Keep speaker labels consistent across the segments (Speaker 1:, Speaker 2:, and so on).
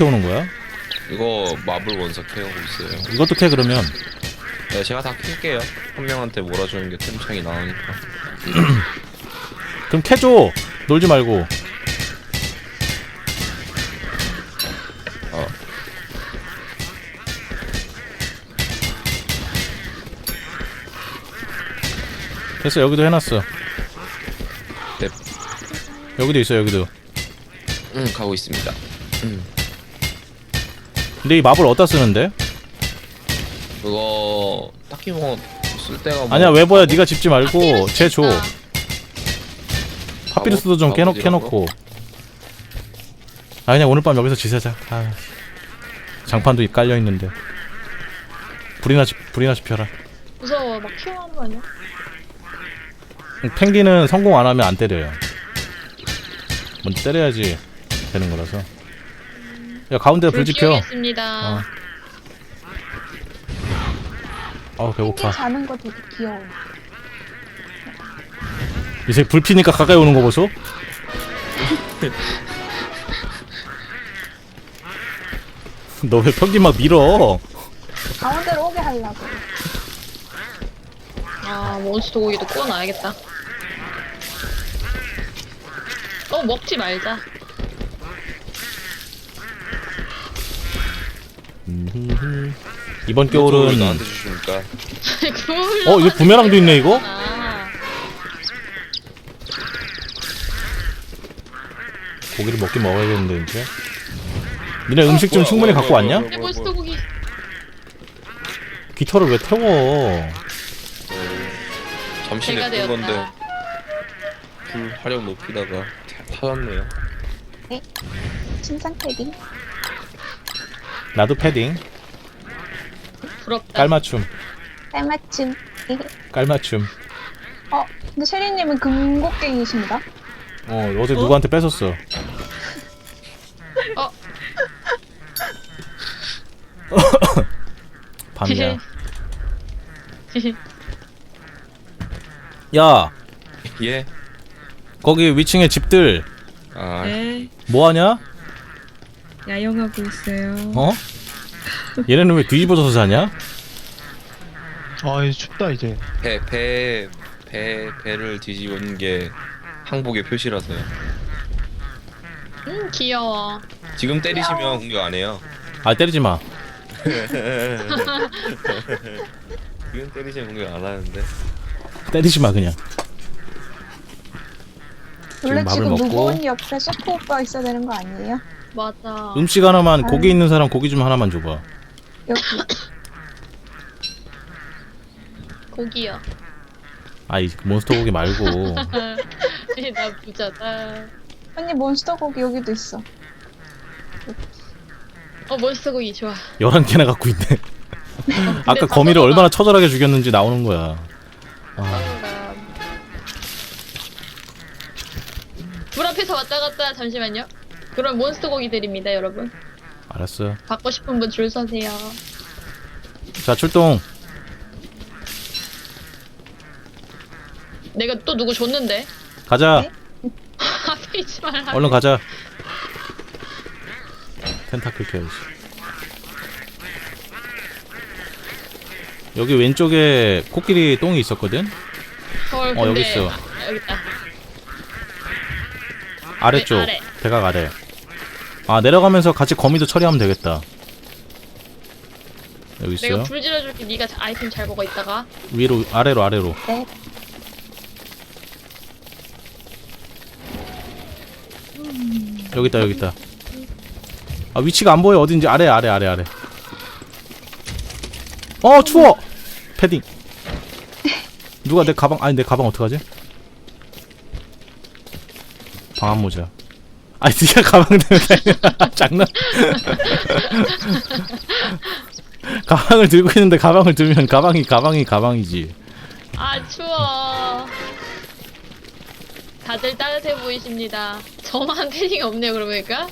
Speaker 1: 캐오는 거야?
Speaker 2: 이거 마블 원석 캐오고 있어요.
Speaker 1: 이것도 캐 그러면.
Speaker 2: 네, 제가 다 캘게요. 한 명한테 몰아주는 게 템창이 나오니까.
Speaker 1: 그럼 캐줘. 놀지 말고. 됐어. 여기도 해놨어.
Speaker 2: 네.
Speaker 1: 여기도 있어. 여기도.
Speaker 2: 가고 있습니다.
Speaker 1: 근데 이 마블 어디다 쓰는데?
Speaker 2: 그거 딱히 뭐 쓸 데가 뭐
Speaker 1: 아니야 웨버야 네가 집지 말고 쟤 줘. 파피루스도 좀 캐놓고. 아 그냥 오늘 밤 여기서 지새자. 아, 장판도 깔려있는데. 불이나 지펴라.
Speaker 3: 무서워. 막 튀어나오는 거 아니야?
Speaker 1: 펭귄은 성공 안하면 안 때려요. 먼저 때려야지 되는 거라서. 야 가운데다 불 지켜.
Speaker 3: 겠습니다.
Speaker 1: 배고파.
Speaker 4: 펭귄 자는 거 되게 귀여워.
Speaker 1: 이 새끼 불 피니까 가까이 오는 거 보소? 너 왜 펭귄 막 밀어?
Speaker 4: 가운데로 오게 하려고.
Speaker 3: 아, 몬스터 고기도 구워놔야겠다. 먹지 말자.
Speaker 1: 이번
Speaker 2: 왜
Speaker 1: 겨울은
Speaker 2: 나한테 주십니까?
Speaker 1: 이거 부메랑도 있네 이거? 고기를 먹긴 먹어야겠는데 이제. 니네 음식 좀 충분히 갖고 왔냐?
Speaker 3: 몬스터 고기.
Speaker 1: 깃털을 왜 태워?
Speaker 2: 잠시
Speaker 3: 배가
Speaker 2: 냅둔 건데
Speaker 3: 되었다.
Speaker 2: 불 화력 높이다가 타졌네요.
Speaker 4: 신상 패딩.
Speaker 1: 나도 패딩.
Speaker 3: 부럽다.
Speaker 1: 깔맞춤.
Speaker 4: 깔맞춤.
Speaker 1: 깔맞춤.
Speaker 4: 근데 셰리님은 금곡갱이십니다.
Speaker 1: 어제 누구한테 뺏었어. 밤이야. 야,
Speaker 2: 예.
Speaker 1: 거기 위층에 집들
Speaker 5: 네,
Speaker 1: 뭐하냐?
Speaker 5: 야영하고 있어요.
Speaker 1: 얘네는 왜 뒤집어져서 자냐?
Speaker 6: 아 이제 춥다 이제.
Speaker 2: 배를 뒤집은 게 항복의 표시라서요.
Speaker 3: 귀여워.
Speaker 2: 지금 때리시면 공격 안 해요.
Speaker 1: 아 때리지 마.
Speaker 2: 지금 때리시면 공격 안 하는데.
Speaker 1: 때리지 마 그냥.
Speaker 4: 원래
Speaker 1: 밥을
Speaker 4: 지금
Speaker 1: 먹고.
Speaker 4: 무거운 옆에 셰프 오빠 있어야 되는 거 아니에요?
Speaker 3: 맞아.
Speaker 1: 음식 하나만 고기 있는 사람 고기 좀 하나만 줘봐.
Speaker 4: 여기.
Speaker 3: 고기요.
Speaker 1: 아이 몬스터 고기 말고.
Speaker 3: 나 부자다.
Speaker 4: 언니 몬스터 고기 여기도 있어.
Speaker 3: 몬스터 고기 좋아.
Speaker 1: 11개나 갖고 있네. 아까 거미를 얼마나 처절하게 죽였는지 나오는 거야.
Speaker 3: 불 앞에서 왔다 갔다. 잠시만요. 그럼 몬스터 고기 드립니다, 여러분.
Speaker 1: 알았어.
Speaker 3: 받고 싶은 분 줄 서세요.
Speaker 1: 자 출동.
Speaker 3: 내가 또 누구 줬는데?
Speaker 1: 가자.
Speaker 3: 앞에 있지 말라.
Speaker 1: 얼른 가자. 텐타클 캐야지. 여기 왼쪽에 코끼리 똥이 있었거든?
Speaker 3: 헐,
Speaker 1: 여기
Speaker 3: 근데-
Speaker 1: 있어.
Speaker 3: 여기 있다.
Speaker 1: 아래쪽.
Speaker 3: 아래.
Speaker 1: 대각 아래. 내려가면서 같이 거미도 처리하면 되겠다. 여기
Speaker 3: 내가
Speaker 1: 있어요.
Speaker 3: 불 질러줄게. 네가 아이템 잘 먹어 있다가.
Speaker 1: 위로 아래로.
Speaker 4: 네.
Speaker 1: 여기 있다. 위치가 안 보여. 어딘지. 아래. 추워. 패딩. 누가 내 가방 내 가방 어떡하지? 방한 모자. 네가 가방 들면 장난. 가방을 들고 있는데 가방을 들면 가방이지.
Speaker 3: 아, 추워. 다들 따뜻해 보이십니다. 저만 패딩이 없네요, 그러니까.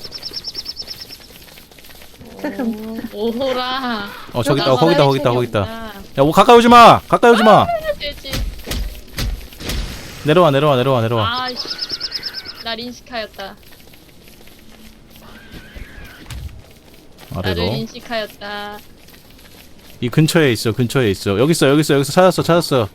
Speaker 3: 오호라.
Speaker 1: 저기 있다. 거기 있다. 야, 뭐 가까이 오지 마.
Speaker 3: 돼지.
Speaker 1: 내려와.
Speaker 3: 나 린스카였다. 나를
Speaker 1: 아래로.
Speaker 3: 인식하였다.
Speaker 1: 이 근처에 있어. 근처에 있어. 여기 있어. 여기 있어. 여기서 찾았어. 찾았어.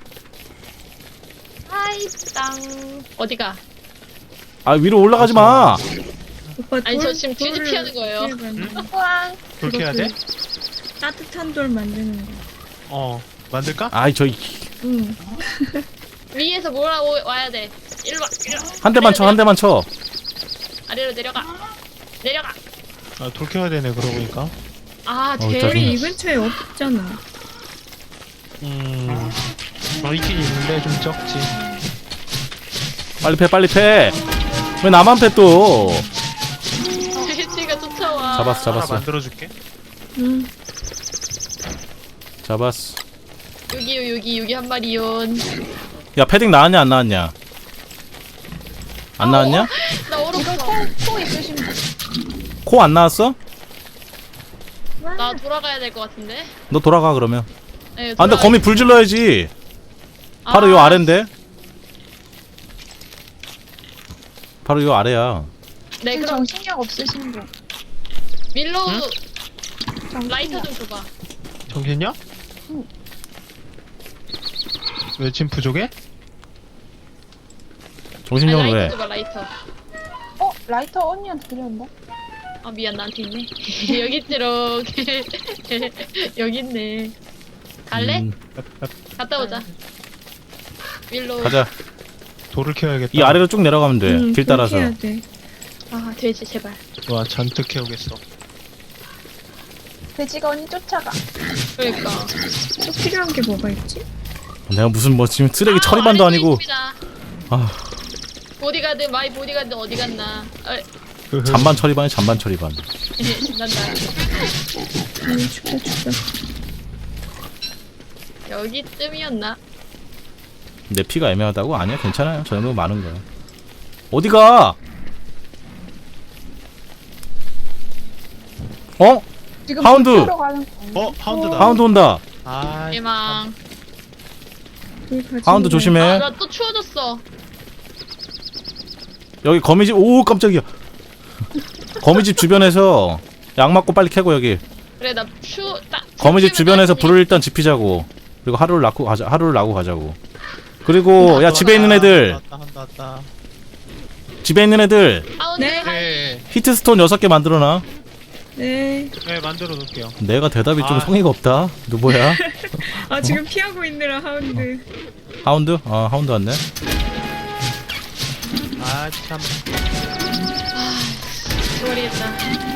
Speaker 3: 하이 땅. 어디가?
Speaker 1: 아 위로 올라가지 마.
Speaker 5: 오빠
Speaker 3: 아니,
Speaker 5: 돌,
Speaker 3: 저 지금 퀴즈
Speaker 5: 돌을
Speaker 3: 피하는 거예요.
Speaker 5: 어떻게 만드는 거야?
Speaker 4: 우왕.
Speaker 6: 그렇게 해야 돼?
Speaker 5: 따뜻한 돌 만드는 거.
Speaker 6: 만들까?
Speaker 1: 아이 저희
Speaker 5: 응.
Speaker 3: 위에서 와야 돼. 일로 와. 일로 와.
Speaker 1: 한 대만 쳐. 한 대만 쳐.
Speaker 3: 아래로 내려가. 내려가.
Speaker 6: 돌 캐야 되네 그러고 보니까.
Speaker 3: 아,
Speaker 1: 짜증나.
Speaker 5: 돌이 이 근처에 없잖아.
Speaker 6: 있긴 있는데 좀 적지.
Speaker 1: 빨리 패. 빨리 패. 왜 나만 패 또?
Speaker 3: 돼지가 쫓아와.
Speaker 1: 잡았어.
Speaker 6: 하나
Speaker 1: 잡았어.
Speaker 6: 만들어줄게.
Speaker 5: 응.
Speaker 1: 잡았어.
Speaker 3: 여기요, 여기 한 마리요.
Speaker 1: 야 패딩 나왔냐 안 나왔냐? 안 나왔냐?
Speaker 3: 나
Speaker 4: 이거
Speaker 3: 얼었어.
Speaker 4: 코 있으신 분.
Speaker 1: 코 안 나왔어?
Speaker 3: 나 돌아가야 될 것 같은데.
Speaker 1: 너 돌아가 그러면.
Speaker 3: 네,
Speaker 1: 아 근데 거미 불 질러야지. 바로 요 아래인데. 바로 요 아래야.
Speaker 3: 네, 그럼
Speaker 4: 정신력 없으신 분.
Speaker 3: 밀로
Speaker 4: 정신력.
Speaker 3: 라이터 좀 줘봐.
Speaker 6: 정신이야?
Speaker 4: 응.
Speaker 6: 왜 지금 부족해?
Speaker 1: 정신력은
Speaker 3: 라이터
Speaker 1: 왜?
Speaker 3: 줘봐, 라이터.
Speaker 4: 라이터 언니한테 드렸는데?
Speaker 3: 아, 미안, 나한테 있네. 여기 있지롱. 여기 있네. 갈래? 갔다 오자. 밀로.
Speaker 1: 가자.
Speaker 6: 돌을 캐야겠다.
Speaker 1: 이 아래로 쭉 내려가면 돼.
Speaker 5: 응,
Speaker 1: 길
Speaker 5: 그렇게
Speaker 1: 따라서.
Speaker 5: 해야 돼.
Speaker 3: 아, 돼지, 제발.
Speaker 6: 와 잔뜩 캐오겠어.
Speaker 4: 돼지가 언니 쫓아가.
Speaker 3: 그러니까.
Speaker 5: 또 필요한 게 뭐가 있지?
Speaker 1: 내가 무슨 뭐 지금 쓰레기 처리반도
Speaker 3: 아래쪽에
Speaker 1: 아니고.
Speaker 3: 있습니다.
Speaker 1: 아
Speaker 3: 보디가드, 마이 보디가드 어디 갔나?
Speaker 1: 잔반 처리반이 잔반 처리반.
Speaker 3: 신난다.
Speaker 5: 춥다 춥다.
Speaker 3: 여기쯤이었나?
Speaker 1: 내 피가 애매하다고? 아니야 괜찮아요. 저 정도 많은 거야. 어디가? 어?
Speaker 4: 지금
Speaker 1: 하운드!
Speaker 4: 불 피우러 가는 거.
Speaker 6: 하운드다.
Speaker 1: 하운드 온다.
Speaker 6: 아,
Speaker 3: 대망.
Speaker 5: 돌 가지고
Speaker 1: 하운드 조심해.
Speaker 3: 아, 나 또 추워졌어.
Speaker 1: 여기 거미집. 오 깜짝이야. 거미집 주변에서 약 맞고 빨리 캐고 여기.
Speaker 3: 그래, 나
Speaker 1: 거미집 주변에서 불을 일단 지피자고. 그리고 하루를 나고 가자고. 그리고 야 집에 있는 애들.
Speaker 6: 왔다.
Speaker 3: 집에 있는 애들.
Speaker 5: 네.
Speaker 6: 네,
Speaker 1: 히트스톤 6개 만들어놔.
Speaker 5: 네.
Speaker 6: 네 만들어 놓을게요.
Speaker 1: 내가 대답이 좀
Speaker 6: 아.
Speaker 1: 성의가 없다. 누구야?
Speaker 5: 아 지금 피하고 있느라 하운드.
Speaker 1: 하운드? 아 하운드 왔네.
Speaker 6: 아 참.
Speaker 3: 모르겠다.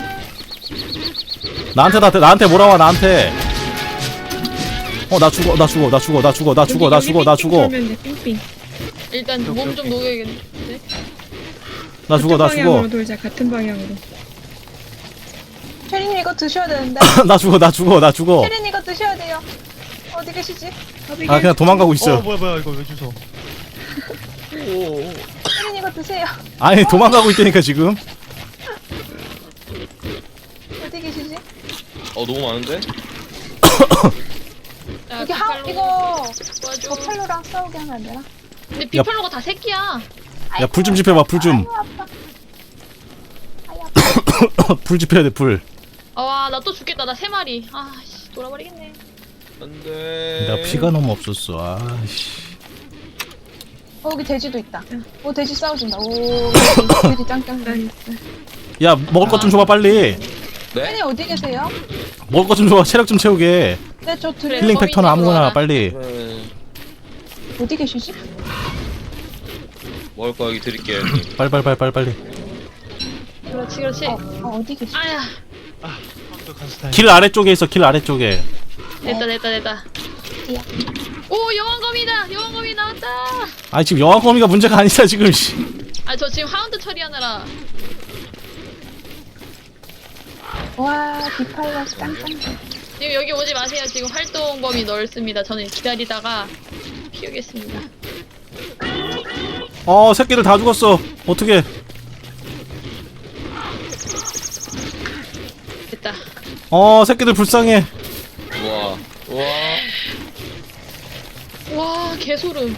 Speaker 1: 나한테 몰아와 나한테. 나 죽어.
Speaker 5: 그러면 돼, 삥삥.
Speaker 3: 일단 몸 좀 녹여야겠는데.
Speaker 1: 나 죽어.
Speaker 5: 같은 방향으로 돌자. 같은 방향으로.
Speaker 4: 혜린이 이거 드셔야 되는데.
Speaker 1: 나 죽어.
Speaker 4: 혜린이 이거 드셔야 돼요. 어디 계시지?
Speaker 1: 아 그냥 도망가고 있어.
Speaker 6: 뭐야 이거 왜 주워?
Speaker 4: 혜린이 이거 드세요.
Speaker 1: 아니 도망가고 있다니까 지금.
Speaker 4: 어디 계시지?
Speaker 2: 너무 많은데?
Speaker 3: 야,
Speaker 4: 여기
Speaker 3: 비팔로
Speaker 4: 이거
Speaker 3: 도와줘.
Speaker 4: 버팔로랑 싸우게 하면 안 되나?
Speaker 3: 근데 비팔로가 다 새끼야.
Speaker 1: 야 불 좀 지펴봐 불 좀.
Speaker 4: 아유 아파. 아유 아파.
Speaker 1: 불 지펴야 돼 불.
Speaker 3: 와, 나 또 죽겠다. 나 3마리. 아씨, 돌아버리겠네.
Speaker 2: 안돼.
Speaker 1: 내가 피가 너무 없었어. 아씨.
Speaker 4: 여기 돼지도 있다. 오 돼지 싸워준다. 오 돼지 짱짱.
Speaker 5: 난
Speaker 1: 야 먹을 것 좀 줘봐 빨리.
Speaker 4: 혜린이 어디 계세요?
Speaker 1: 먹을 것 좀 줘봐. 체력 좀 채우게.
Speaker 4: 네 저 드려.
Speaker 1: 힐링 팩터는 아무거나
Speaker 3: 거미집으로
Speaker 1: 빨리.
Speaker 4: 어디 계시지?
Speaker 2: 먹을 거 여기 드릴게요 형님.
Speaker 1: 빨리.
Speaker 3: 그렇지.
Speaker 4: 어디 계시?
Speaker 3: 아야,
Speaker 6: 하운드 간스타인.
Speaker 1: 길 아래쪽에 있어. 길 아래쪽에.
Speaker 3: 됐다. 오, 여왕거미 나왔다.
Speaker 1: 아니 지금 여왕거미가 문제가 아니라 지금. 씨.
Speaker 3: 아, 저 지금 하운드 처리하느라.
Speaker 4: 와 비팔로 짱짱.
Speaker 3: 지금 여기 오지 마세요. 지금 활동 범위 넓습니다. 저는 기다리다가 피우겠습니다.
Speaker 1: 새끼들 다 죽었어. 어떻게?
Speaker 3: 됐다.
Speaker 1: 새끼들 불쌍해.
Speaker 2: 우와.
Speaker 3: 와, 개소름.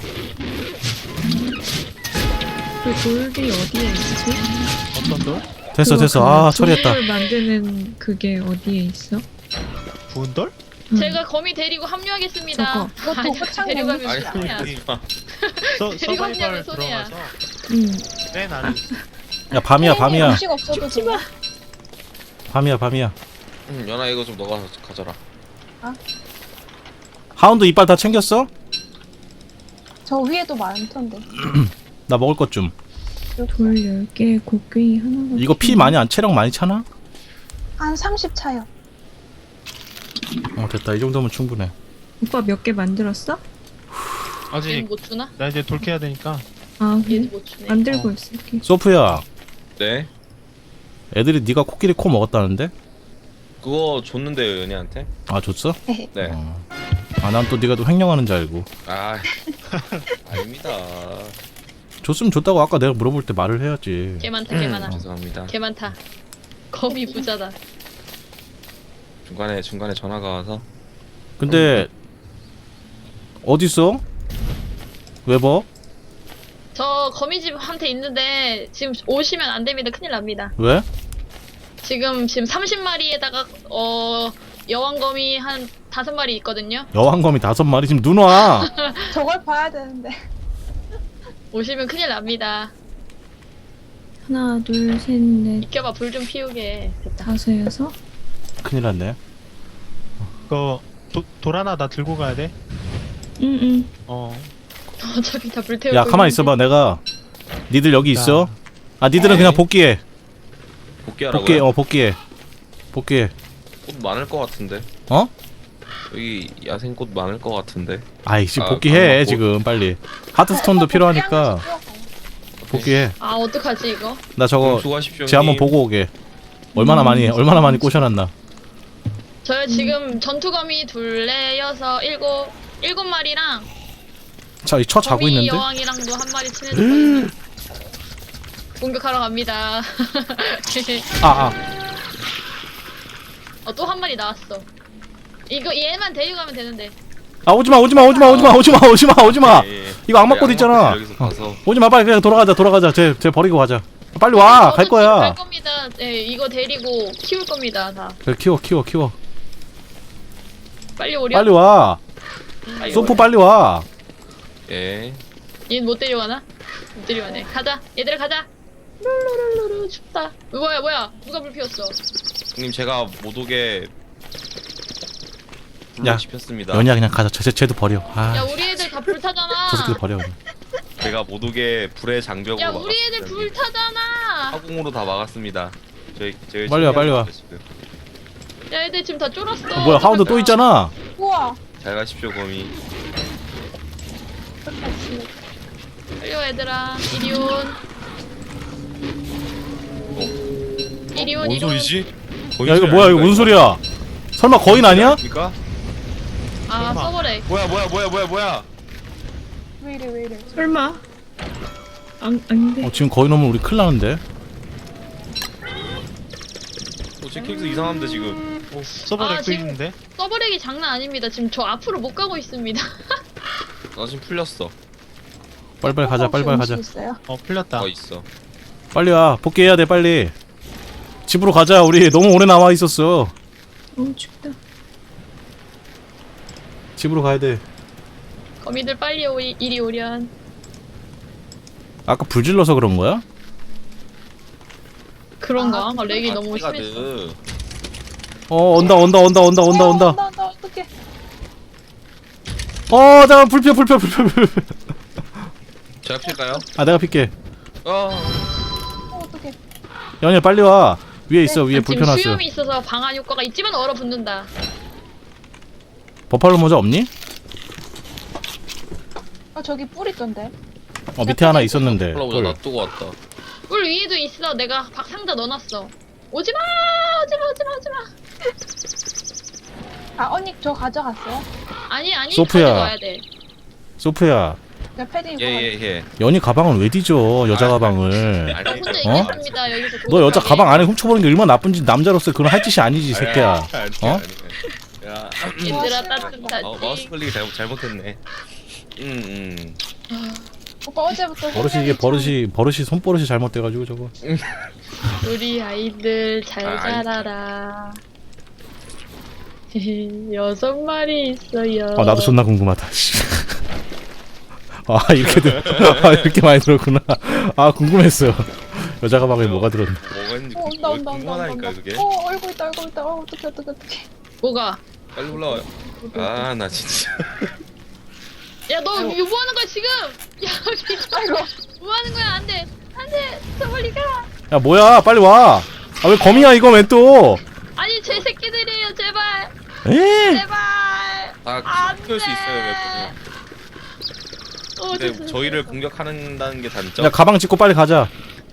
Speaker 5: 그 돌이 어디에 있지?
Speaker 6: 어떤 돌?
Speaker 1: 됐어
Speaker 5: 그거
Speaker 1: 됐어.
Speaker 5: 그
Speaker 1: 아 처리했다.
Speaker 5: 조리를 만드는 그게 어디에 있어?
Speaker 6: 부은 돌?
Speaker 3: 제가 거미 데리고 합류하겠습니다.
Speaker 5: 저거.
Speaker 4: 그것도
Speaker 3: 아니,
Speaker 4: 호창
Speaker 3: 데려가면
Speaker 4: 냄새.
Speaker 3: 손해야.
Speaker 6: 여기
Speaker 3: 데리고
Speaker 6: 서바이벌
Speaker 3: 가면 손해야.
Speaker 6: 들어가서
Speaker 5: 응.
Speaker 6: 맨 아래
Speaker 1: 야 밤이야 밤이야
Speaker 4: 음식 없어도 되나?
Speaker 1: 밤이야 밤이야.
Speaker 2: 연아 이거 좀 너가 가져라.
Speaker 1: 하운드 이빨 다 챙겼어?
Speaker 4: 저 위에도 많던데.
Speaker 1: 나 먹을 것 좀.
Speaker 5: 돌 10개, 곡괭이 하나가.
Speaker 1: 이거 피 많이 안 체력 많이 차나?
Speaker 4: 한 30 차요.
Speaker 1: 어 됐다 이 정도면 충분해.
Speaker 5: 오빠 몇 개 만들었어?
Speaker 3: 얘는
Speaker 6: 아직
Speaker 3: 못 주나?
Speaker 6: 나 이제 돌 캐야 되니까
Speaker 5: 아,
Speaker 3: 얘는
Speaker 5: 그래?
Speaker 3: 못 주네.
Speaker 5: 만들고 있을게.
Speaker 1: 소프야
Speaker 2: 네.
Speaker 1: 애들이 네가 코끼리 코 먹었다는데?
Speaker 2: 그거 줬는데요 연이한테?
Speaker 1: 아 줬어?
Speaker 2: 네.
Speaker 1: 아 난 또 네가 또 횡령하는 줄 알고.
Speaker 2: 아 아닙니다.
Speaker 1: 줬으면 줬다고 아까 내가 물어볼 때 말을 해야지.
Speaker 3: 개 많다, 개 많아.
Speaker 2: 죄송합니다.
Speaker 3: 개 많다. 거미 부자다.
Speaker 2: 중간에 전화가 와서
Speaker 1: 근데 어딨어? 웨버?
Speaker 3: 저 거미집한테 있는데 지금 오시면 안 됩니다. 큰일 납니다.
Speaker 1: 왜?
Speaker 3: 지금 30마리에다가 여왕거미 한 5마리 있거든요.
Speaker 1: 여왕거미 5마리 지금 눈 와.
Speaker 4: 저걸 봐야 되는데.
Speaker 3: 오시면 큰일 납니다.
Speaker 5: 하나, 둘, 셋, 넷,
Speaker 3: 비켜봐, 불 좀 피우게. 됐다.
Speaker 5: 다섯, 여섯.
Speaker 1: 큰일 났네.
Speaker 6: 그거 돌 하나 나 들고 가야 돼.
Speaker 5: 응.
Speaker 3: 어차피 다 불태우고
Speaker 1: 야 가만 있어봐. 내가 니들 여기 있어. 아 니들은 그냥 복귀해.
Speaker 2: 복귀하라고요?
Speaker 1: 복귀해. 복귀해.
Speaker 2: 꽃 많을 것 같은데.
Speaker 1: 어?
Speaker 2: 여기 야생꽃 많을 것 같은데.
Speaker 1: 아이씨
Speaker 2: 아,
Speaker 1: 복귀해
Speaker 2: 강화꽃.
Speaker 1: 지금 빨리. 하드스톤도 필요하니까 복귀해.
Speaker 3: 아 어떡하지 이거?
Speaker 1: 나 저거
Speaker 2: 수고하십시오.
Speaker 1: 쟤 한번 보고 오게. 얼마나 많이 꼬셔놨나.
Speaker 3: 저요 지금 전투거미 둘레 여섯 일곱 마리랑
Speaker 1: 자, 이 쳐 자고
Speaker 3: 거미
Speaker 1: 있는데.
Speaker 3: 여왕이랑도 한 마리 친해졌거든요. 공격하러 갑니다.
Speaker 1: 아.
Speaker 3: 또 한 마리 나왔어. 이거 얘만 데리고 가면 되는데.
Speaker 1: 아 오지마.
Speaker 2: 예, 예.
Speaker 1: 이거 악마꽃 있잖아.
Speaker 2: 여기서 가서
Speaker 1: 오지마 빨리 그냥 돌아가자. 쟤 버리고 가자. 빨리 와. 갈
Speaker 3: 갈
Speaker 1: 거야.
Speaker 3: 겁니다. 네, 이거 데리고 키울 겁니다. 다.
Speaker 1: 그래 키워.
Speaker 3: 빨리 오려.
Speaker 1: 빨리 와.
Speaker 3: 빨리
Speaker 1: 소프
Speaker 3: 오려.
Speaker 1: 빨리 와.
Speaker 2: 예.
Speaker 3: 얘는 못 데려가나? 못 데려가네. 가자. 얘들아 가자. 룰루룰루루 춥다. 뭐야? 누가 불 피웠어?
Speaker 2: 형님 제가 못 오게 불로
Speaker 1: 야,
Speaker 2: 지폈습니다.
Speaker 1: 연이야 그냥 가자. 쟤도 버려. 아.
Speaker 3: 야 우리 애들 다 불 타잖아.
Speaker 1: 저 새끼들 버려. 그냥.
Speaker 2: 제가 못 오게 불의 장벽으로
Speaker 3: 야
Speaker 2: 막았습니다.
Speaker 3: 우리 애들 불 타잖아.
Speaker 2: 화공으로 다 막았습니다. 저희
Speaker 1: 빨리 와, 빨리 와.
Speaker 2: 지금.
Speaker 3: 야 애들 지금 다 쫄았어.
Speaker 1: 뭐야 하운드 또 있잖아.
Speaker 4: 우와.
Speaker 2: 잘 가십시오 거미.
Speaker 3: 빨리 와 얘들아. 이리온.
Speaker 2: 뭔 소리지?
Speaker 1: 야 이거 뭐야 이거 무슨 소리야? 설마 거인 아니야?
Speaker 2: 그러니까?
Speaker 3: 아 서버래.
Speaker 2: 뭐야?
Speaker 4: 왜 이래.
Speaker 5: 설마? 아닌데.
Speaker 1: 지금 거인 오면 우리 큰일 나는데.
Speaker 2: 제 캐릭터 이상한데 지금.
Speaker 6: 서버
Speaker 3: 아,
Speaker 6: 렉도
Speaker 3: 지금-
Speaker 6: 있는데.
Speaker 3: 서버렉이 장난 아닙니다. 지금 저 앞으로 못 가고 있습니다.
Speaker 2: 나 지금 풀렸어.
Speaker 1: 빨리 가자.
Speaker 4: 음식 있어요?
Speaker 6: 풀렸다.
Speaker 2: 있어.
Speaker 1: 빨리 와. 복귀해야 돼 빨리. 집으로 가자. 우리 너무 오래 남아 있었어.
Speaker 5: 춥다.
Speaker 1: 집으로 가야 돼.
Speaker 3: 거미들 빨리 이리 오련.
Speaker 1: 아까 불 질러서 그런 거야?
Speaker 3: 그런가? 렉이 너무 심했어.
Speaker 2: 가드.
Speaker 1: 온다.
Speaker 4: 온다. 어떡해.
Speaker 1: 잠깐 불 피워.
Speaker 2: 제가 필까요?
Speaker 1: 아 내가 필게.
Speaker 4: 어떡해.
Speaker 1: 연이야 빨리 와. 위에 있어. 위에 불
Speaker 3: 지금
Speaker 1: 펴놨어.
Speaker 3: 수염이 있어서 방한 효과가 있지만 얼어붙는다.
Speaker 1: 버팔로 모자 없니?
Speaker 4: 저기 뿔 있던데.
Speaker 1: 밑에 하나 있었는데.
Speaker 2: 콜라보자
Speaker 1: 꿀.
Speaker 2: 놔두고 왔다.
Speaker 3: 물 위에도 있어. 내가 상자 넣어놨어. 오지마.
Speaker 4: 언니 저 가져갔어요?
Speaker 3: 아니
Speaker 1: 소프야.
Speaker 3: 가져가야 돼.
Speaker 1: 소프야.
Speaker 4: 내 패딩
Speaker 2: 예.
Speaker 1: 연이 가방을 왜 뒤져? 여자 가방을.
Speaker 3: 저 혼자
Speaker 1: 어?
Speaker 3: 있겠습니다. 여기서.
Speaker 1: 너 여자
Speaker 3: 고독하게.
Speaker 1: 가방 안에 훔쳐버리는 게 얼마나 나쁜지 남자로서 그건 할 짓이 아니지 이 새끼야. 어?
Speaker 2: 야.
Speaker 3: 얘들아
Speaker 2: 마우스
Speaker 3: 따뜻하지.
Speaker 2: 클릭 잘못했네.
Speaker 4: 오빠 어제부터
Speaker 1: 버릇이 이게 버릇이 손버릇이 잘못돼가지고 저거.
Speaker 3: 우리 아이들 잘
Speaker 2: 아, 아이.
Speaker 3: 자라라. 6마리 있어요.
Speaker 1: 아 나도 존나 궁금하다. 씨. 아 이렇게 많이 들었구나. 아 궁금했어. 여자 가방에 뭐가 들었나?
Speaker 2: 뭐가 있는지
Speaker 4: 온다.
Speaker 2: 궁금하니까 그게.
Speaker 4: 얼굴 있다. 어떡해.
Speaker 3: 뭐가?
Speaker 2: 빨리 올라와요. 아 나 진짜.
Speaker 3: 야, 너 이거 뭐 하는 거야, 지금? 야,
Speaker 4: 아이고.
Speaker 3: 뭐 하는 거야? 안 돼. 안 돼. 저 멀리 가.
Speaker 1: 야 뭐야 빨리 와. 아 왜 거미야 이거 왜 또?
Speaker 3: 아니, 제 새끼들이에요, 제발.
Speaker 1: 에?
Speaker 3: 제발.
Speaker 2: 다
Speaker 3: 안
Speaker 2: 키울 수
Speaker 3: 돼.
Speaker 2: 있어요 몇
Speaker 3: 어,
Speaker 2: 근데 저희를 공격하는다는 게 단점.
Speaker 1: 야 가방 짚고 빨리 가자.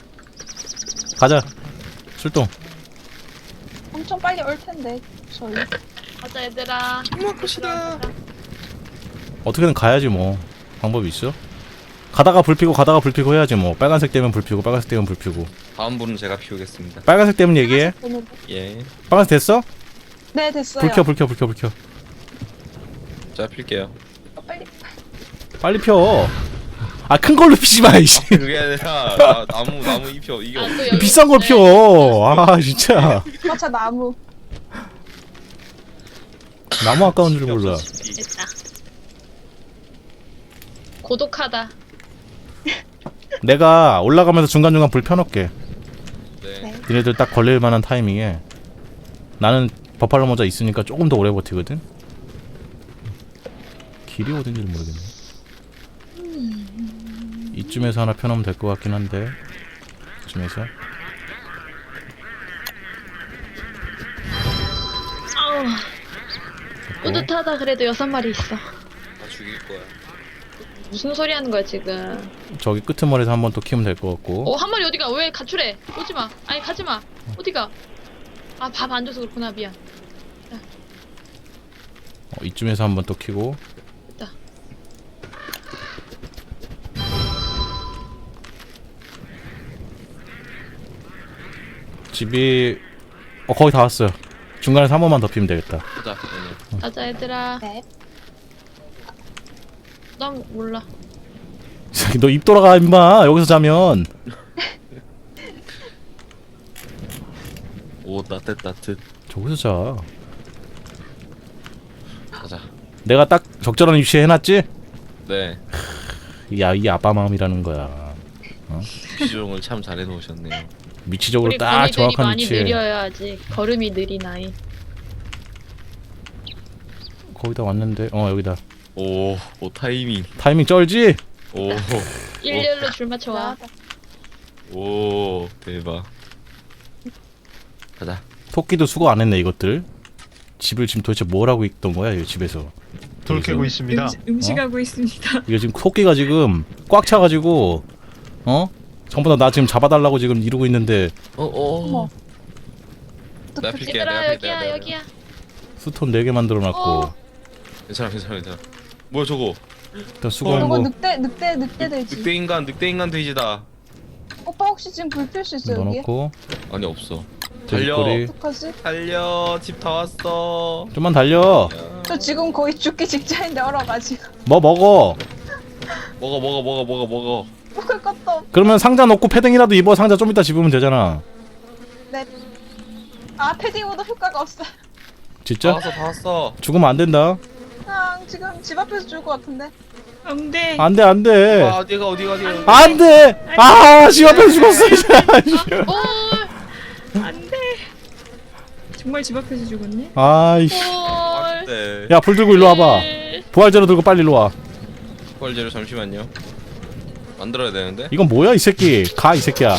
Speaker 1: 출동.
Speaker 4: 엄청 빨리 올 텐데 저희.
Speaker 3: 가자, 얘들아.
Speaker 2: 정말 것이다.
Speaker 1: 어떻게든 가야지 뭐. 방법이 있어? 가다가 불 피고 해야지 뭐. 빨간색 되면 불 피고 빨간색 되면 불 피고.
Speaker 2: 다음 분은 제가 피우겠습니다.
Speaker 1: 빨간색 되면 얘기해.
Speaker 2: 예.
Speaker 1: 빨간색 됐어?
Speaker 4: 네 됐어요.
Speaker 1: 불 켜.
Speaker 2: 자 필게요.
Speaker 1: 빨리 펴. 아 큰 걸로 피지 마 이씨.
Speaker 2: 그게 아니라 나무 잎이요. 이게
Speaker 3: 아, 또 여기
Speaker 1: 비싼 걸
Speaker 3: 있네.
Speaker 1: 펴. 아 진짜.
Speaker 4: 마차 나무.
Speaker 1: 나무 아까운 줄 몰라.
Speaker 3: 됐다. 고독하다.
Speaker 1: 내가 올라가면서 중간중간 불 펴놓게.
Speaker 2: 네.
Speaker 1: 니네들 딱 걸릴 만한 타이밍에. 나는 버팔로 모자 있으니까 조금 더 오래 버티거든. 길이 어딘지 모르겠네. 이쯤에서 하나 펴놓으면 될 것 같긴 한데. 이쯤에서.
Speaker 3: 아우. 뿌듯하다. 그래도 6마리 있어.
Speaker 2: 다 죽일 거야.
Speaker 3: 무슨 소리 하는 거야, 지금?
Speaker 1: 저기 끄트머리에서 한번 또 키우면 될 것 같고.
Speaker 3: 한 마리 어디가? 왜 가출해? 오지마. 아니, 가지마. 어디가? 아, 밥 안 줘서 그렇구나. 미안.
Speaker 1: 이쯤에서 한번 또 키고.
Speaker 3: 됐다.
Speaker 1: 집이 거의 다 왔어요. 중간에서 한 번만 더 피면 되겠다.
Speaker 2: 가자. 네.
Speaker 3: 가자, 얘들아.
Speaker 4: 네.
Speaker 3: 난 몰라.
Speaker 1: 너 입 돌아가 임마. 여기서 자면.
Speaker 2: 오 따뜻.
Speaker 1: 저기서 자.
Speaker 2: 가자.
Speaker 1: 내가 딱 적절한 위치에 해놨지?
Speaker 2: 네.
Speaker 1: 이 아빠 마음이라는 거야.
Speaker 2: 비주얼을 참 잘 해놓으셨네요.
Speaker 1: 위치적으로
Speaker 3: 우리
Speaker 1: 딱
Speaker 3: 거미들이
Speaker 1: 정확한
Speaker 3: 많이
Speaker 1: 위치에.
Speaker 3: 느려야지. 걸음이 느린 아이.
Speaker 1: 거의 다 왔는데. 여기다.
Speaker 2: 오 타이밍.
Speaker 1: 타이밍 쩔지?
Speaker 3: 일렬로 줄 맞춰와.
Speaker 2: 오 대박. 가자.
Speaker 1: 토끼도 수고 안 했네 이것들. 집을 지금 도대체 뭘 하고 있던 거야 이 집에서.
Speaker 6: 돌 캐고 있습니다.
Speaker 5: 음식하고 있습니다.
Speaker 1: 이거 지금 토끼가 지금 꽉 차가지고 전부 다 나 지금 잡아달라고 지금 이러고 있는데
Speaker 4: 어머.
Speaker 2: 내가 필게.
Speaker 3: 얘들아, 여기야, 여기야.
Speaker 1: 스톤 4개 만들어놨고.
Speaker 2: 괜찮아. 뭐야 저거?
Speaker 1: 일단 수고한
Speaker 4: 저거
Speaker 1: 거
Speaker 4: 늑대 돼지.
Speaker 2: 늑대 인간 돼지다.
Speaker 4: 오빠 혹시 지금 불 필 수 있어요 여기?
Speaker 1: 넣어놓고.
Speaker 2: 아니 없어. 달려.
Speaker 1: 돼지꼬리.
Speaker 4: 어떡하지?
Speaker 2: 달려. 집 다 왔어.
Speaker 1: 좀만 달려.
Speaker 4: 저 지금 거의 죽기 직전인데 얼어가지고
Speaker 1: 뭐 먹어.
Speaker 2: 먹어.
Speaker 4: 먹을 것도 없.
Speaker 1: 그러면 상자 넣고 패딩이라도 입어. 상자 좀 이따 집으면 되잖아.
Speaker 4: 네. 아 패딩으로도 효과가 없어요.
Speaker 1: 진짜?
Speaker 2: 다 왔어.
Speaker 1: 죽으면 안 된다.
Speaker 4: 지금 집 앞에서 죽을 것 같은데.
Speaker 5: 안 돼.
Speaker 1: 안 돼, 안 돼.
Speaker 2: 어디가.
Speaker 1: 안 돼! 아, 집 앞에서 죽었어, 이제.
Speaker 5: 안 돼. 정말 집 앞에서 죽었네.
Speaker 1: 아이씨.
Speaker 2: 네.
Speaker 1: 야, 불 들고 일로 와봐. 부활제로 들고 빨리 일로 와.
Speaker 2: 뻘제로 잠시만요. 만들어야 되는데.
Speaker 1: 이건 뭐야, 이 새끼. 가, 이 새끼야.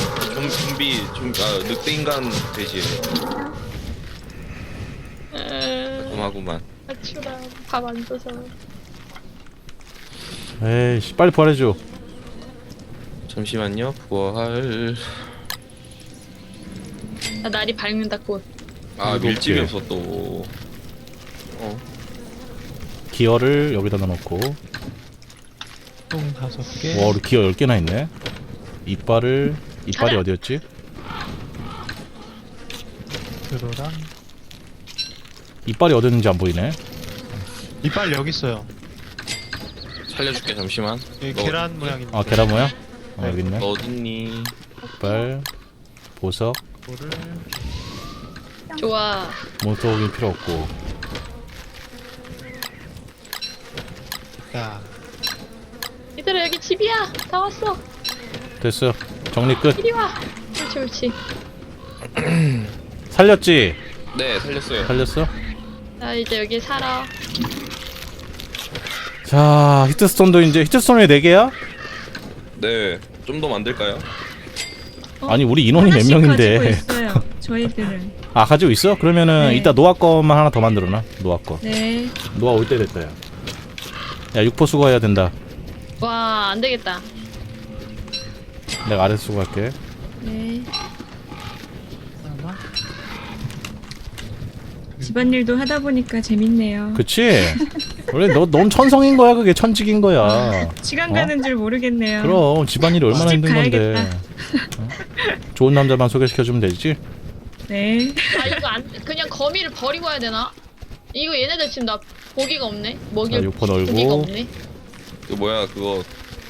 Speaker 2: 늑대 인간 돼지. 고마구만.
Speaker 3: 가출아. 밥 안 줘서.
Speaker 1: 에이씨, 빨리 부활해줘.
Speaker 2: 잠시만요. 부활.
Speaker 3: 날이 밝는다, 곧.
Speaker 2: 밀집이
Speaker 1: 이렇게.
Speaker 2: 없어 또.
Speaker 1: 기어를 여기다 넣어놓고.
Speaker 6: 똥 5개.
Speaker 1: 와, 우리 기어 10개나 있네. 이빨이
Speaker 3: 가자.
Speaker 1: 어디였지?
Speaker 6: 그로랑
Speaker 1: 이빨이 어디 있는지 안 보이네.
Speaker 6: 이빨 여기 있어요.
Speaker 2: 살려줄게 잠시만.
Speaker 6: 여기
Speaker 2: 너-
Speaker 6: 계란 모양인데.
Speaker 1: 아 계란 모양?
Speaker 6: 네.
Speaker 1: 여기 있네.
Speaker 2: 너 어딨니?
Speaker 1: 빨 보석
Speaker 6: 이거를
Speaker 3: 좋아.
Speaker 1: 몬스터기 필요 없고.
Speaker 6: 야.
Speaker 3: 얘들아 여기 집이야. 다 왔어.
Speaker 1: 됐어. 정리 끝.
Speaker 3: 이리 와. 옳지 옳지.
Speaker 1: 살렸지?
Speaker 2: 네 살렸어요.
Speaker 1: 살렸어?
Speaker 3: 나 이제 여기 살아.
Speaker 1: 자 히트스톤도 이제 히트스톤이 4개야?
Speaker 2: 네. 좀 더 만들까요?
Speaker 1: 아니 우리 인원이 몇
Speaker 5: 하나씩
Speaker 1: 명인데.
Speaker 5: 가지고 있어요. 저희들은.
Speaker 1: 아 가지고 있어? 그러면은
Speaker 5: 네.
Speaker 1: 이따 노아 거만 하나 더 만들어놔. 노아 거.
Speaker 5: 네.
Speaker 1: 노아 올 때 됐다 야. 야 육포 수거해야 된다.
Speaker 3: 와 안 되겠다.
Speaker 1: 내가 아래서 수거할게.
Speaker 5: 네. 집안일도 하다 보니까 재밌네요.
Speaker 1: 그치? 원래 넌 천성인 거야. 그게 천직인 거야.
Speaker 5: 시간
Speaker 1: 어?
Speaker 5: 가는 줄 모르겠네요.
Speaker 1: 그럼 집안일이 얼마나
Speaker 5: 집
Speaker 1: 힘든 건데.
Speaker 5: 가야겠다.
Speaker 1: 어? 좋은 남자만 소개시켜주면 되지?
Speaker 5: 네.
Speaker 3: 아 이거 안 그냥 거미를 버리고 와야 되나? 이거 얘네들 지금 나 고기가 없네. 먹일
Speaker 1: 자, 육포
Speaker 3: 고기가
Speaker 1: 널고.
Speaker 3: 없네.
Speaker 2: 그 뭐야 그거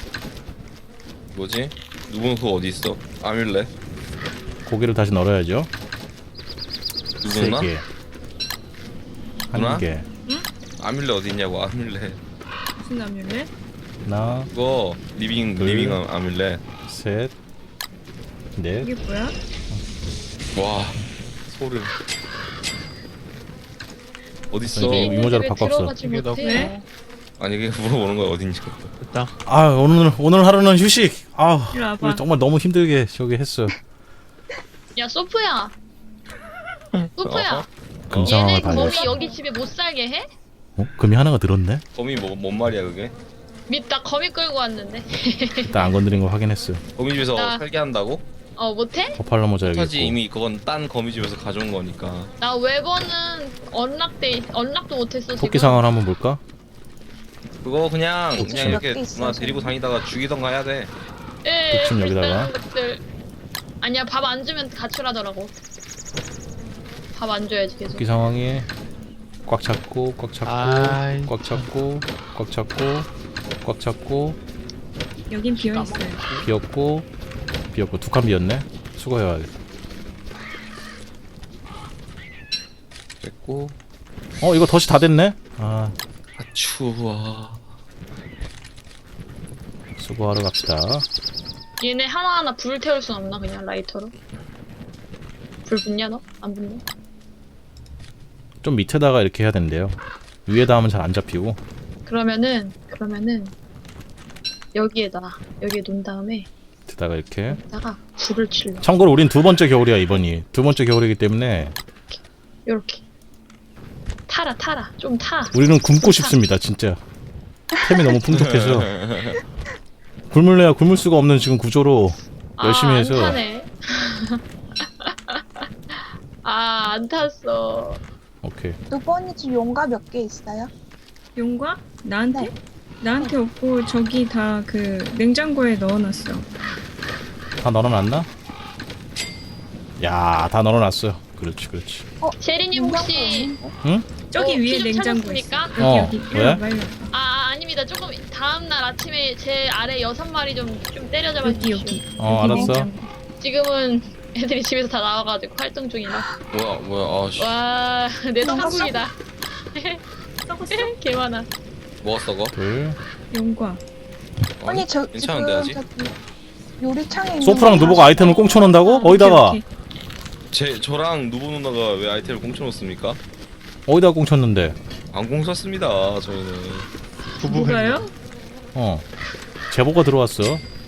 Speaker 2: 뭐지? 누군 그거 어디 있어? 아뮬렛?
Speaker 1: 고기를 다시 널어야죠.
Speaker 2: 누구나?
Speaker 1: 3개.
Speaker 2: 누나?
Speaker 1: 1개.
Speaker 2: 아뮬렛 어디 있냐고 아뮬렛.
Speaker 5: 무슨 남녀래?
Speaker 1: 하나,
Speaker 2: 그거 리빙
Speaker 1: 둘.
Speaker 2: 리빙 아뮬렛.
Speaker 1: 셋, 넷.
Speaker 5: 이게 뭐야?
Speaker 2: 와 소름. 어디 있어?
Speaker 1: 이거 이모자로
Speaker 3: 왜
Speaker 1: 바꿨어.
Speaker 3: 들어가지
Speaker 6: 이게
Speaker 3: 못해?
Speaker 5: 네?
Speaker 2: 아니 그게 물어보는 거야 어딨냐고.
Speaker 6: 됐다.
Speaker 1: 아 오늘 하루는 휴식. 아
Speaker 5: 이리 와봐.
Speaker 1: 우리 정말 너무 힘들게 저기 했어.
Speaker 3: 야 소프야. 소프야.
Speaker 1: 금상황을
Speaker 3: 얘네
Speaker 1: 봐야
Speaker 3: 거미
Speaker 1: 돼.
Speaker 3: 여기 집에 못 살게 해?
Speaker 1: 어? 금이 하나가 늘었네?
Speaker 2: 거미 뭔 말이야 그게?
Speaker 3: 나 거미 끌고 왔는데.
Speaker 1: 일단 안 건드린 거 확인했어.
Speaker 2: 거미 집에서
Speaker 3: 나-
Speaker 2: 살게 한다고?
Speaker 3: 어 못해?
Speaker 1: 버팔로 모자 여기
Speaker 2: 하지
Speaker 1: 있고.
Speaker 2: 이미 그건 딴 거미 집에서 가져온 거니까.
Speaker 3: 나 웨버는 언락도 못했어 지금.
Speaker 1: 토끼 상황을 한번 볼까?
Speaker 2: 그거 그냥
Speaker 4: 독침
Speaker 2: 그냥 이렇게
Speaker 4: 몇개 있어,
Speaker 2: 누나 데리고 다니다가 죽이던가 해야 돼.
Speaker 3: 예,
Speaker 1: 독침 여기다가.
Speaker 3: 불쌍한 것들. 아니야 밥 안 주면 가출하더라고. 밥 안 줘야지 계속.
Speaker 1: 토끼 상황이 꽉 잡고 꽉 잡고
Speaker 6: 아이.
Speaker 1: 꽉 잡고 꽉 잡고 꽉 잡고
Speaker 5: 여긴 비어 있어요.
Speaker 1: 비었고 비었고 2칸 비었네. 수거해야겠다.
Speaker 2: 됐고.
Speaker 1: 어 이거 덫이 다 됐네. 아
Speaker 2: 아 추워.
Speaker 1: 수거하러 갑시다.
Speaker 3: 얘네 하나하나 불을 태울 순 없나 그냥 라이터로? 불 붙냐 너? 안 붙냐?
Speaker 1: 좀 밑에다가 이렇게 해야 된대요. 위에다 하면 잘 안 잡히고.
Speaker 3: 그러면은 여기에 놓은 다음에
Speaker 1: 밑에다가 이렇게.
Speaker 3: 여기다가 불을 칠러.
Speaker 1: 참고로 우린 2번째 겨울이야 이번이. 2번째 겨울이기 때문에
Speaker 3: 요렇게 타라 좀 타.
Speaker 1: 우리는 굶고 싶습니다 진짜. 템이 너무 풍족해서 굶을래야 굶을 수가 없는 지금 구조로 열심히 해서.
Speaker 3: 안 타네. 안 탔어.
Speaker 1: 오케이.
Speaker 4: 누번이 집 용가 몇 개 있어요?
Speaker 5: 용과? 나한테?
Speaker 4: 네.
Speaker 5: 나한테 없고 저기 다 그 냉장고에 넣어놨어.
Speaker 1: 다 널어놨나? 야, 다 널어놨어. 그렇지, 그렇지.
Speaker 3: 제리님
Speaker 4: 용가가
Speaker 3: 혹시
Speaker 4: 없는데?
Speaker 5: 저기 위에
Speaker 3: 좀
Speaker 5: 냉장고 있어.
Speaker 3: 찾았습니까?
Speaker 5: 여기
Speaker 1: 어,
Speaker 5: 여기.
Speaker 1: 왜?
Speaker 5: 일로 와봐, 일로 와봐.
Speaker 3: 아닙니다. 조금 다음날 아침에 제 아래 6마리 좀 때려잡아
Speaker 5: 여기
Speaker 3: 주십시오.
Speaker 5: 여기.
Speaker 1: 어,
Speaker 5: 여기
Speaker 1: 알았어.
Speaker 5: 냉장고.
Speaker 3: 지금은 애들이 집에서 다 나와가지고 활동 중이라.
Speaker 2: 뭐야 아씨.
Speaker 3: 와, 내
Speaker 4: 뭔가
Speaker 3: 천국이다.
Speaker 5: 썩었어?
Speaker 3: 개 많아.
Speaker 2: 뭐가 썩어?
Speaker 1: 둘.
Speaker 5: 용과.
Speaker 4: 아니 저
Speaker 2: 괜찮은데 아직?
Speaker 4: 지금 저기 요리창에 있는
Speaker 1: 소프랑
Speaker 4: 거
Speaker 1: 누보가 아이템을 꽁쳐 놓는다고? 어디다가?
Speaker 5: 오케이,
Speaker 2: 저랑 누보 누나가 왜 아이템을 공쳐놓습니까?
Speaker 1: 어디다가 꽁쳤는데?
Speaker 2: 안 공쳤습니다 저희는.
Speaker 5: 뭐가요?
Speaker 1: 어. 제보가 들어왔어.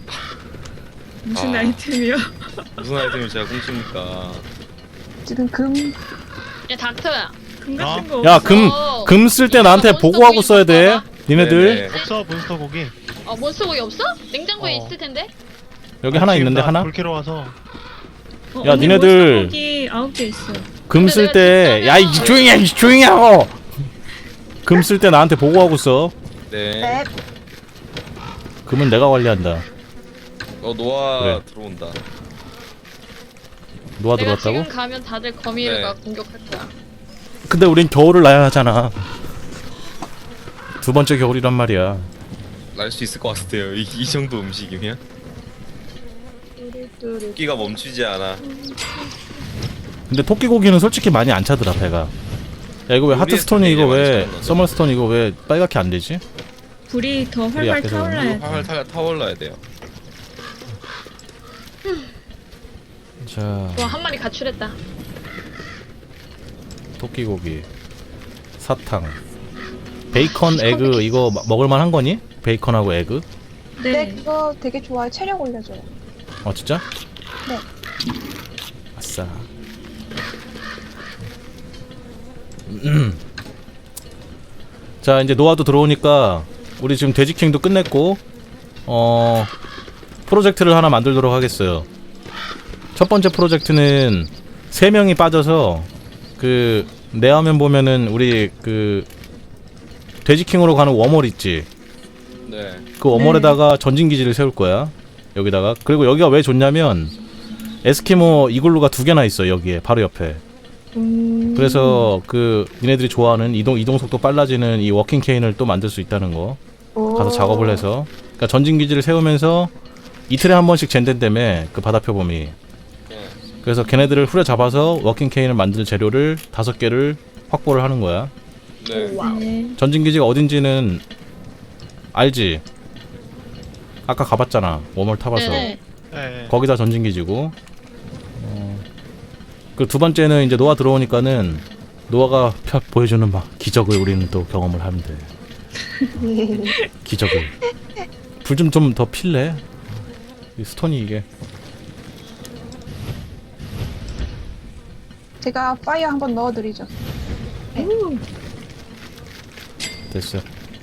Speaker 5: 무슨
Speaker 2: 아.
Speaker 5: 아이템이요?
Speaker 2: 무슨 아이템을 제가 공칩니까?
Speaker 4: 지금
Speaker 3: 야, 닥터야.
Speaker 5: 금 같은 거
Speaker 1: 야,
Speaker 5: 없어?
Speaker 1: 금 쓸 때 나한테
Speaker 3: 몬스터
Speaker 1: 보고하고
Speaker 3: 고기
Speaker 1: 써야 돼.
Speaker 3: 바꿔봐.
Speaker 1: 니네들.
Speaker 2: 네네.
Speaker 6: 없어 몬스터 고기.
Speaker 3: 몬스터 고기 없어? 냉장고에
Speaker 6: 어.
Speaker 3: 있을 텐데?
Speaker 1: 여기 하나 있는데 하나?
Speaker 6: 불캐러 와서
Speaker 1: 야,
Speaker 5: 언니
Speaker 1: 니네들-
Speaker 5: 몬스터 고기 9개 있어.
Speaker 1: 금 쓸 때,
Speaker 3: 내가
Speaker 1: 야, 이
Speaker 3: 직접
Speaker 1: 조용히 해, 이 조용히 하고! 금 쓸 때 나한테 보고하고 써.
Speaker 2: 네.
Speaker 4: 네.
Speaker 1: 금은 내가 관리한다.
Speaker 2: 노아
Speaker 1: 그래.
Speaker 2: 들어온다.
Speaker 1: 누가
Speaker 3: 내가
Speaker 1: 들어왔다고?
Speaker 3: 지금 가면 다들 거미가
Speaker 2: 네.
Speaker 3: 공격할 거야.
Speaker 1: 근데 우린 겨울을 나야 하잖아. 2번째 겨울이란 말이야.
Speaker 2: 날 수 있을 것 같은데요. 이 정도 음식이면 끼가 멈추지 않아.
Speaker 1: 근데 토끼 고기는 솔직히 많이 안 차더라 배가. 야 이거 왜 하트스톤이 이거 왜 서머스톤 이거 왜 빨갛게 안 되지?
Speaker 5: 불이 더
Speaker 1: 불이
Speaker 5: 활활
Speaker 1: 약해서
Speaker 5: 타올라야 돼.
Speaker 2: 활활 타올라야 돼요.
Speaker 1: 자
Speaker 3: 와, 한 마리 가출했다.
Speaker 1: 토끼 고기, 사탕, 베이컨 에그 이거 먹을만 한 거니? 베이컨하고 에그?
Speaker 4: 네,
Speaker 5: 네.
Speaker 4: 그거 되게 좋아요. 체력 올려줘요.
Speaker 1: 어 진짜?
Speaker 4: 네.
Speaker 1: 아싸. 자 이제 노아도 들어오니까 우리 지금 돼지킹도 끝냈고 프로젝트를 하나 만들도록 하겠어요. 첫 번째 프로젝트는 3명이 빠져서 그 내 화면 보면은 우리 그 돼지킹으로 가는 워멀 있지.
Speaker 2: 네.
Speaker 1: 그 워멀에다가 전진기지를 세울 거야. 여기다가. 그리고 여기가 왜 좋냐면 에스키모 이글루가 2개나 있어 여기에 바로 옆에. 그래서 그 니네들이 좋아하는 이동 속도 빨라지는 이 워킹 케인을 또 만들 수 있다는 거. 가서 작업을 해서. 그러니까 전진기지를 세우면서 이틀에 한 번씩 젠된다며 그 바다 표범이. 그래서 걔네들을 후려잡아서 워킹 케인을 만들 재료를 5개를 확보를 하는 거야.
Speaker 2: 네.
Speaker 5: 네.
Speaker 1: 전진기지가 어딘지는 알지? 아까 가봤잖아. 워멀 타봐서.
Speaker 3: 네네.
Speaker 6: 네.
Speaker 1: 거기다 전진기지고. 그리고 두 번째는 이제 노아 들어오니까는 노아가 보여주는 막 기적을 우리는 또 경험을 하면 돼. 기적을. 불 좀 더 필래? 이 스톤이 이게.
Speaker 4: 제가 파이어 한번 넣어드리죠.
Speaker 1: 됐어.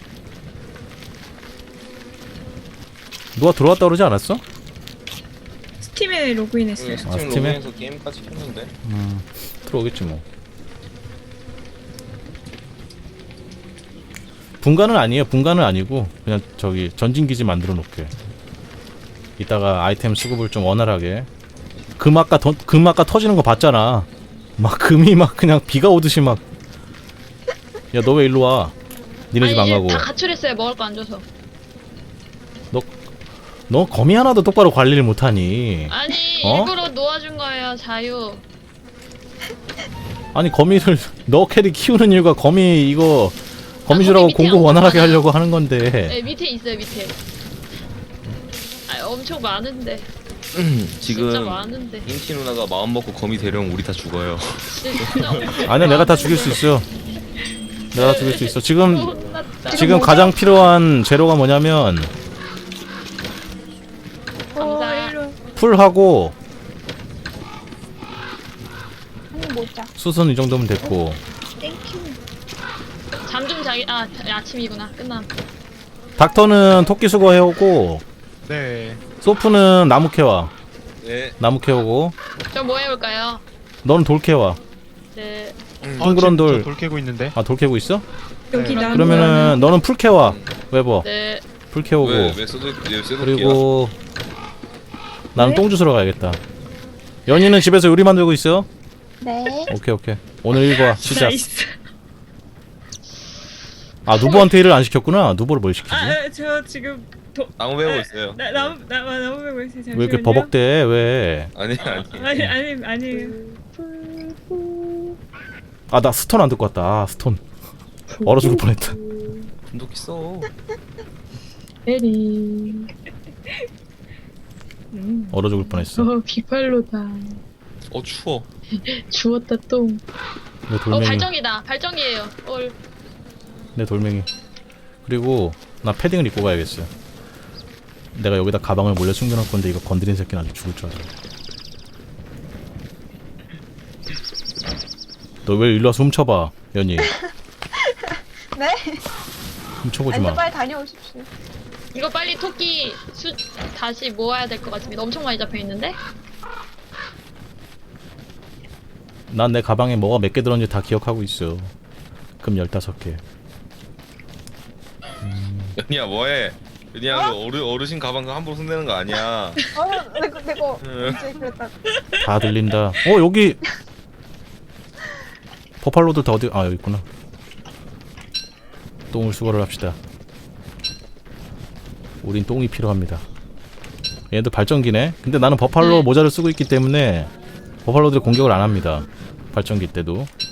Speaker 1: 노아 들어왔다 그러지 않았어?
Speaker 5: 스팀에 로그인했어요.
Speaker 2: 스팀
Speaker 1: 스팀에?
Speaker 2: 로그인해서 게임까지 켰는데.
Speaker 1: 들어오겠지 뭐. 분간은 아니에요. 분간은 아니고 그냥 저기 전진기지 만들어 놓게. 이따가 아이템 수급을 좀 원활하게. 금 아까 터지는 거 봤잖아. 막 금이 막 그냥 비가 오듯이 막. 야 너 왜 일로 와? 니네 집 안
Speaker 3: 아니,
Speaker 1: 가고.
Speaker 3: 다 가출했어요. 먹을 거 안 줘서.
Speaker 1: 너 거미 하나도 똑바로 관리를 못하니.
Speaker 3: 아니,
Speaker 1: 어?
Speaker 3: 일부러 놓아준 거예요. 자유.
Speaker 1: 아니 거미를 너 캐리 키우는 이유가 거미 이거 거미줄하고
Speaker 3: 거미 밑에
Speaker 1: 공부 원활하게
Speaker 3: 엄청
Speaker 1: 하려고 하는 건데.
Speaker 3: 네, 밑에 있어요. 밑에. 아, 엄청 많은데. 진짜
Speaker 2: 지금
Speaker 3: 많은데.
Speaker 2: 인티 누나가 마음 먹고 거미 데려오면 우리 다 죽어요.
Speaker 3: 진짜 엄청
Speaker 1: 아니야 내가 다 죽일 수 있어. 내가 다 죽일 수 있어. 지금
Speaker 3: 혼났다.
Speaker 1: 가장 필요한 재료가 뭐냐면
Speaker 3: 감사.
Speaker 5: 일로 와.
Speaker 1: 풀하고
Speaker 4: 한입 먹자.
Speaker 1: 수선 이 정도면 됐고.
Speaker 3: 잠 좀 자기. 아, 아침이구나. 끝나.
Speaker 1: 닥터는 토끼 수거 해오고
Speaker 6: 네.
Speaker 1: 소프는 나무 캐와.
Speaker 2: 네.
Speaker 1: 나무 캐오고
Speaker 3: 저 뭐 해볼까요?
Speaker 1: 너는 돌 캐와.
Speaker 3: 네.
Speaker 1: 둥그런 돌.
Speaker 6: 저돌 캐고 있는데.
Speaker 1: 아 돌 캐고 있어?
Speaker 5: 여기
Speaker 6: 네.
Speaker 5: 나무
Speaker 1: 그러면은 너는 풀 캐와. 웨버
Speaker 3: 네.
Speaker 1: 풀 캐오고.
Speaker 2: 왜 쇠도끼야?
Speaker 1: 그리고 나는
Speaker 5: 왜?
Speaker 1: 똥 주스러 가야겠다. 연희는 집에서 요리 만들고 있어?
Speaker 4: 네.
Speaker 1: 오케이. 오늘 일과 시작.
Speaker 5: 나이스.
Speaker 1: 아 누보한테 일을 안 시켰구나. 누보를 뭘 시키지?
Speaker 5: 저 지금
Speaker 2: 나무 배우고 있어요.
Speaker 5: 나무 배고 있어요. 잠시만요.
Speaker 1: 왜 이렇게 버벅대? 왜?
Speaker 2: 아니.
Speaker 5: 아니에요.
Speaker 1: 아 나 스톤 안 듣고 왔다. 아 스톤. 얼어 죽을 뻔했다.
Speaker 2: 분독 있어.
Speaker 3: 에리.
Speaker 1: 얼어 죽을 뻔했어.
Speaker 3: 비팔로다.
Speaker 2: 추워.
Speaker 3: 주웠다 똥.
Speaker 1: 내 돌멩이.
Speaker 3: 발정이다. 발정이에요.
Speaker 1: 내 돌멩이. 그리고 나 패딩을 입고 가야겠어. 내가 여기다 가방을 몰래 숨겨놓을 건데 이거 건드린 새끼는 아주 죽을 줄 알아. 너 왜 일로 와서 훔쳐봐, 연희.
Speaker 4: 네?
Speaker 1: 훔쳐보지
Speaker 4: 아니,
Speaker 1: 마.
Speaker 4: 빨리 다녀오십시오.
Speaker 3: 이거 빨리 토끼 다시 모아야 될 것 같습니다. 엄청 많이 잡혀 있는데.
Speaker 1: 난 내 가방에 뭐가 몇 개 들었는지 다 기억하고 있어. 금 15개.
Speaker 2: 연희야 뭐해? 연희야 그 어르신 가방 그거 함부로 손대는 거 아니야.
Speaker 4: 내거 언제 그랬다.
Speaker 1: 다 들린다. 여기 버팔로들 다 어디? 아 여기 있구나. 똥을 수거를 합시다. 우린 똥이 필요합니다. 얘도 발전기네. 근데 나는 버팔로
Speaker 3: 네.
Speaker 1: 모자를 쓰고 있기 때문에 버팔로들이 공격을 안 합니다. 발전기 때도.